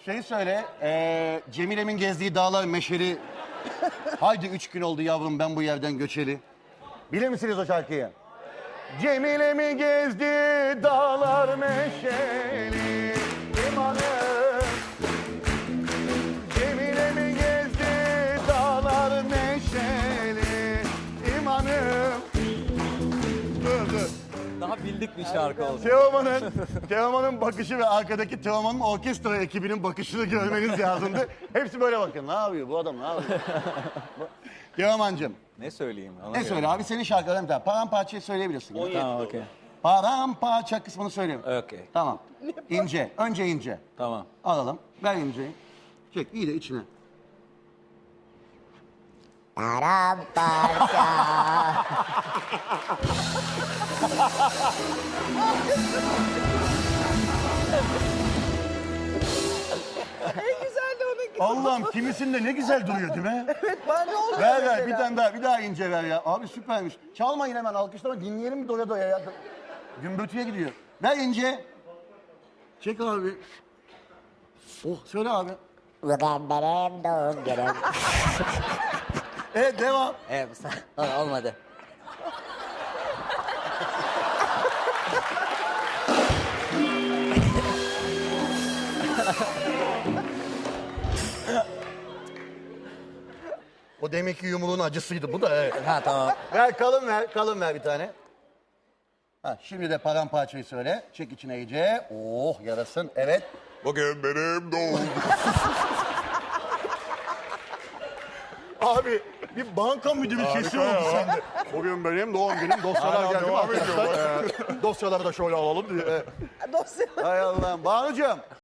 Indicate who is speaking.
Speaker 1: Şey söyle, Cemile'min gezdiği dağlar meşeli. Haydi 3 gün oldu yavrum ben bu yerden göçeli. Bilir misiniz o şarkıyı? Cemile'mi gezdi dağlar meşeli. İmanım. Cemile'mi gezdi dağlar meşeli. İmanım. Dur.
Speaker 2: Daha bildik bir şarkı oldu.
Speaker 1: Teoman'ın bakışı ve arkadaki Teoman'ın orkestra ekibinin bakışını görmeniz lazımdı. Hepsi böyle bakın. Ne yapıyor bu adam? Ne yapıyor? Teoman'cığım.
Speaker 2: Ne söyleyeyim?
Speaker 1: Ne söyle abi? Senin şarkıların bir tane. Paramparçayı söyleyebilirsin.
Speaker 3: 17
Speaker 2: Tamam,
Speaker 3: oldu.
Speaker 2: okey.
Speaker 1: Paramparça kısmını söyleyeyim.
Speaker 2: Okey.
Speaker 1: Tamam. İnce. Önce ince.
Speaker 2: Tamam.
Speaker 1: Alalım. Ver inceyi. Çek. İyi de içine.
Speaker 4: Paramparça.
Speaker 5: En güzel de onunki.
Speaker 1: Allah'ım kimisinde ne güzel duruyor değil mi?
Speaker 5: Evet, ben ne oldu?
Speaker 1: Ver bir tane daha. Bir daha ince ver ya. Abi süpermiş. Çalmayın hemen alkışlama. Dinleyelim mi doya doya ya. Gümbürtüye gidiyor. Ver ince. Çek abi. Oh söyle abi.
Speaker 4: Bugün benim doğum günüm.
Speaker 1: Evet devam.
Speaker 4: Evet, olmadı.
Speaker 1: O demek ki yumruğun acısıydı bu da evet.
Speaker 4: Ha tamam.
Speaker 1: Ver kalın ver bir tane. Ha, şimdi de paramparçayı söyle. Çek içine iyice. Oh yarasın. Evet.
Speaker 3: Bugün benim doğum.
Speaker 1: Abi bir banka müdürü sesi oldu sende. Bugün benim doğum günüm. Dosyalar
Speaker 3: Hala
Speaker 1: geldi mi
Speaker 3: devam ediyor
Speaker 1: arkadaşlar? Dosyaları da şöyle alalım diye.
Speaker 5: Dosya.
Speaker 1: Hay Allah'ım. Banucuğum.